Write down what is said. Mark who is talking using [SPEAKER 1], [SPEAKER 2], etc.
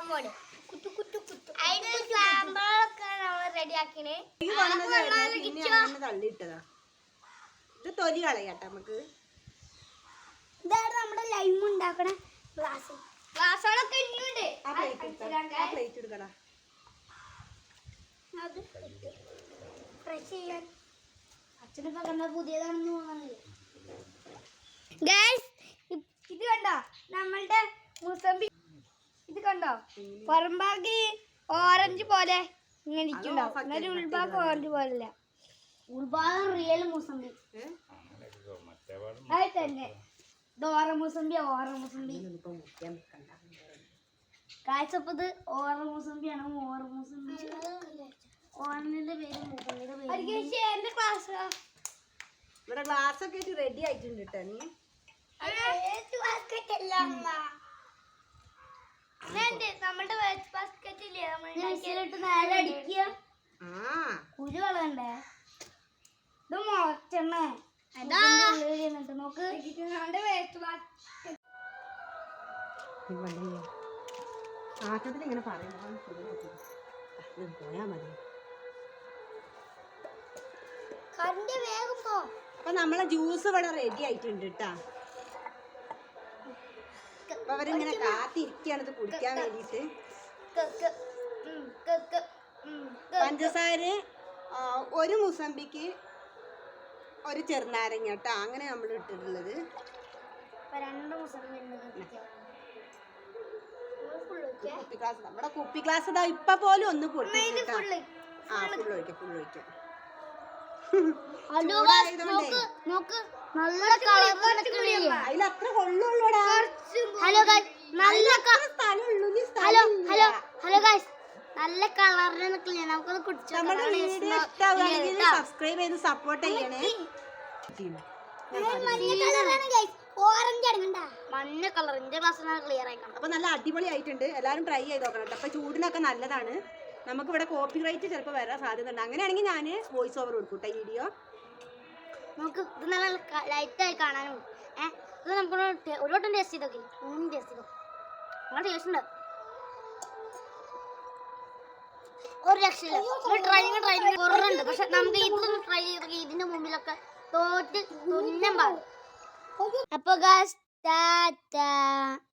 [SPEAKER 1] അങ്ങോട്ട് കുത്തു കുത്തു കുത്തു അതിന് സാമ്പാറൊക്കെ നമ്മൾ റെഡിയാക്കിന്
[SPEAKER 2] തള്ളിയിട്ടതാ. ഇത് തൊലി കളയാട്ടെ നമുക്ക്.
[SPEAKER 1] ഇതാണ് നമ്മുടെ ലൈം ഉണ്ടാക്കണ ഗ്ലാസ്. ഗ്ലാസ്സുകളൊക്കെ ഇന്നുണ്ട്.
[SPEAKER 2] പ്ലേറ്റ് എടുക്കടാ.
[SPEAKER 1] അത് ഫ്രഷ് ചെയ്യാൻ അച്ഛനൊക്കെ കണ്ട പുതിയതാണെന്ന് തോന്നുന്നില്ല. ഗൈസ് ഇത് കണ്ടോ നമ്മളുടെ മുസമ്പി. ഇത് കണ്ടോ പുറംഭാഗി ഓറഞ്ച് പോലെ ഇങ്ങനെ ഇരിക്കുന്നുണ്ടാവും. എന്നാലും ഉൾഭാഗം ഓറഞ്ച് പോലല്ല. ഉൾഭാഗം റിയൽ മുസമ്പി. അത് തന്നെ ഓറ മുസമ്പി. ഓറ മുസമ്പി കാഴ്ചപ്പത് ഓറ മുസമ്പിയാണ്. ഓറ മുസമ്പി ഓറഞ്ചിന്റെ പേര് മുസമ്പിയുടെ പേര്. എന്റെ ക്ലാസ്
[SPEAKER 2] ഇവിടെ ഗ്ലാസ് ഒക്കെ റെഡി ആയിട്ടുണ്ട് കേട്ടോ. നീ
[SPEAKER 1] നമ്മളുടെ വേസ്റ്റ് ബാസ്കറ്റ് ഇല്ലേ നമ്മളിട്ട് നേരെ അടിക്കുക. കുരു കളയണ്ടേ? ഇത് മുളച്ചെണ്ണ നോക്ക്. വേസ്റ്റ് ബാസ്കറ്റ്
[SPEAKER 2] ആട്ടത്തിൽ ഇങ്ങനെ പറയുമ്പോ പോയാ മതി. അപ്പൊ നമ്മളെ ജ്യൂസ് ഇവിടെ റെഡി ആയിട്ടുണ്ട് കേട്ടാ. അപ്പൊ അവരിങ്ങനെ കാത്തിരിക്കുകയാണ് ഇത് കുടിക്കാൻ വേണ്ടിട്ട്. പഞ്ചസാര ഒരു മുസമ്പിക്ക് ഒരു ചെറുനാരങ്ങ കേട്ടോ, അങ്ങനെ നമ്മൾ ഇട്ടിട്ടുള്ളത്. കുപ്പി ഗ്ലാസ്, നമ്മുടെ കുപ്പി ഗ്ലാസ് ഇതാ ഇപ്പൊ പോലും ഒന്ന് പൊട്ടിട്ടാ. ഫുള്ള് ഒഴിക്കാം, ഫുള്ള് ഒഴിക്കാം. അതിലത്ര കൊള്ളുള്ളൂടാ.
[SPEAKER 1] നല്ല കളറിന് നിൽക്കില്ല. നമുക്കത് കുടിച്ചു.
[SPEAKER 2] നമ്മുടെ വീഡിയോ ഇഷ്ടമാവുകയാണെങ്കിൽ സബ്സ്ക്രൈബ് ചെയ്ത് സപ്പോർട്ട് ചെയ്യണേ.
[SPEAKER 1] മഞ്ഞ കളറിന്റെ ഗ്ലാസ് ക്ലിയർ ആയിക്കണം.
[SPEAKER 2] അപ്പൊ നല്ല അടിപൊളി ആയിട്ടുണ്ട്. എല്ലാവരും ട്രൈ ചെയ്ത് നോക്കണം കേട്ടോ. അപ്പൊ ചൂടിനൊക്കെ നല്ലതാണ്. നമുക്ക് ഇവിടെ കോപ്പി റൈറ്റ് ചിലപ്പോൾ വരാൻ സാധ്യത ഉണ്ട്. അങ്ങനെയാണെങ്കിൽ ഞാൻ വോയിസ് ഓവർ കൊടുക്കൂട്ടെ വീഡിയോ.
[SPEAKER 1] നമുക്ക് ഇത് നല്ല ലൈറ്റായി കാണാനും. ഇത് നമുക്ക് ഒരു വട്ടം ടേസ്റ്റ് ചെയ്തോക്കെ. ടേസ്റ്റ് ചെയ്തോ. നല്ല ടേസ്റ്റ് ഉണ്ട്. ഒരു രക്ഷയില്ല. ട്രൈ കുറവുണ്ട്. പക്ഷെ നമുക്ക് ഇതൊന്ന് ട്രൈ ചെയ്തൊക്കെ ഇതിന്റെ മുമ്പിലൊക്കെ തോറ്റ് തുന്നം പാടും. അപ്പൊ